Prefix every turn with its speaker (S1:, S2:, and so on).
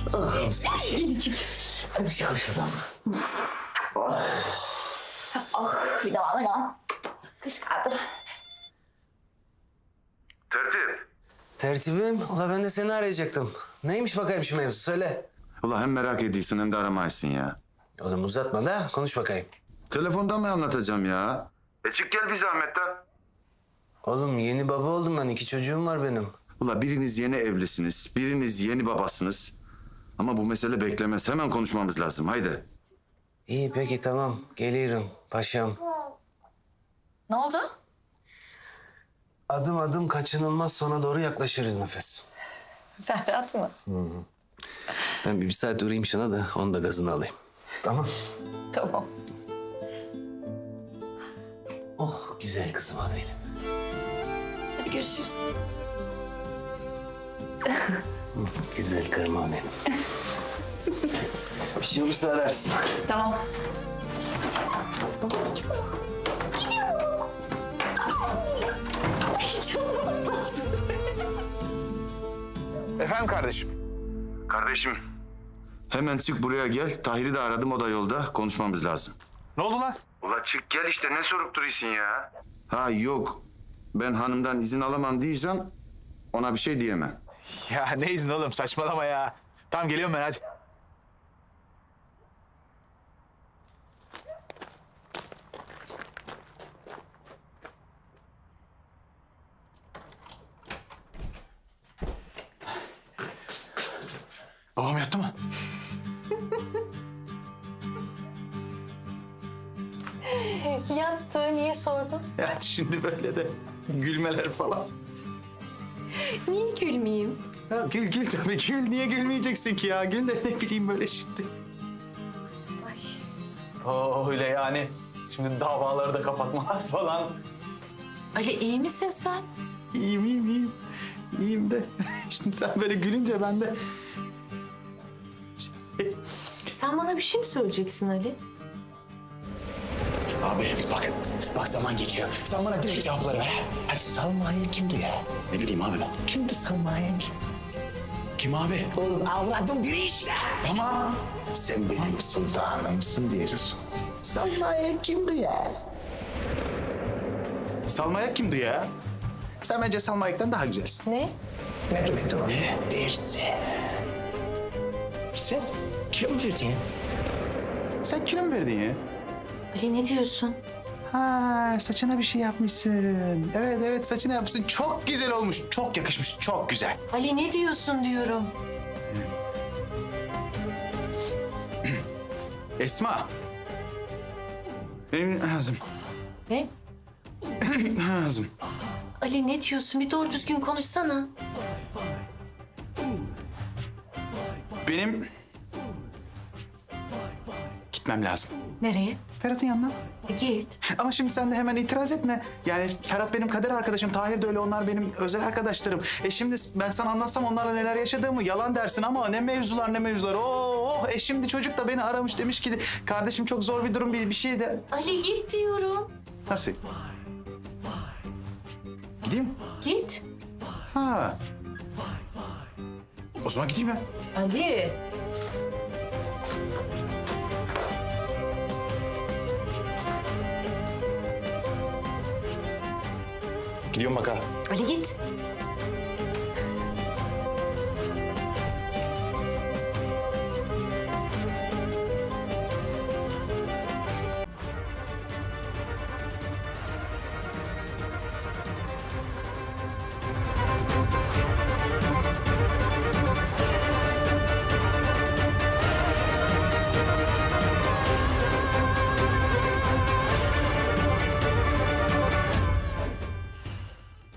S1: Hadi bir şey konuşalım. Bir de bana ya. Kız kaldı.
S2: Tertip.
S3: Tertibim, ula ben de seni arayacaktım. Neymiş bakayım şu mevzu, söyle.
S2: Ula hem merak ediyorsun hem de aramayısın ya.
S3: Oğlum uzatma da konuş bakayım.
S2: Telefonda mı anlatacağım ya? Çık gel bir zahmet de.
S3: Oğlum yeni baba oldum ben, 2 çocuğum var benim.
S2: Ula biriniz yeni evlisiniz, biriniz yeni babasınız. Ama bu mesele beklemez. Hemen konuşmamız lazım. Haydi.
S3: İyi peki tamam, geliyorum paşam.
S1: Ne oldu?
S3: Adım adım kaçınılmaz sona doğru yaklaşırız Nefes.
S1: Sen rahat mı?
S3: Ben bir saat uğrayayım şuna da onun da gazını alayım. Tamam.
S1: Tamam.
S3: Oh güzel kızım benim.
S1: Hadi görüşürüz.
S3: Güzel karım benim. Bir şey olursa ararsın.
S1: Tamam.
S4: Efendim kardeşim.
S2: Kardeşim. Hemen çık buraya gel. Tahir'i de aradım, o da yolda. Konuşmamız lazım.
S4: Ne oldu lan?
S2: Ula çık gel işte, ne sorup duruyorsun ya? Ha yok. Ben hanımdan izin alamam diyeceğim. Ona bir şey diyemem.
S4: Ya ne izni oğlum, saçmalama ya. Tamam geliyorum ben, hadi. Babam yattı mı?
S1: Yattı. Niye sordun?
S4: Ya şimdi böyle de gülmeler falan.
S1: Niye gülmeyeyim?
S4: Ya gül gül tabii, gül. Niye gülmeyeceksin ki ya? Gül de ne bileyim böyle şimdi.
S1: Ay.
S4: Öyle yani. Şimdi davaları da kapatmalar falan.
S1: Ali iyi misin sen?
S4: İyiyim, iyiyim, iyiyim. İyiyim de şimdi sen böyle gülünce ben de...
S1: Sen bana bir şey mi söyleyeceksin Ali?
S5: Abi bak zaman geçiyor. Sen bana direkt cevapları ver ha. Hadi Salma'ya kimdi ya? Ne bileyim abi ben. Kimdi Salma'ya kim? Kim abi? Oğlum avradın biri işte. Tamam.
S6: Sen benim sultanımsın diye Resul. Salma'ya kimdi ya?
S4: Salmayak kimdi ya? Sen bence Salmayak'tan daha güzelsin.
S1: Ne?
S6: Ne demek o? Dersi. Sen kim verdin?
S4: Sen kilo mu verdin ya?
S1: Ali ne diyorsun?
S4: Ha, saçına bir şey yapmışsın. Evet evet, saçına yapmışsın. Çok güzel olmuş. Çok yakışmış. Çok güzel.
S1: Ali ne diyorsun diyorum.
S4: Esma. Benim ağzım.
S1: Ne?
S4: Ağzım.
S1: Ali ne diyorsun? Bir doğru düzgün konuşsana.
S4: Benim gitmem lazım.
S1: Nereye?
S4: Ferhat'ın yanına.
S1: Git.
S4: Ama şimdi sen de hemen itiraz etme. Yani Ferhat benim kader arkadaşım, Tahir de öyle, onlar benim özel arkadaşlarım. Şimdi ben sana anlatsam onlarla neler yaşadığımı yalan dersin ama ne mevzular ne mevzular. Oh, şimdi çocuk da beni aramış, demiş ki kardeşim çok zor bir durum, bir şey de...
S1: Ali git diyorum.
S4: Nasıl? Gideyim.
S1: Git.
S4: Ha. O zaman gideyim ya.
S1: Ali.
S4: Gidiyorum bak ha.
S1: Ali git.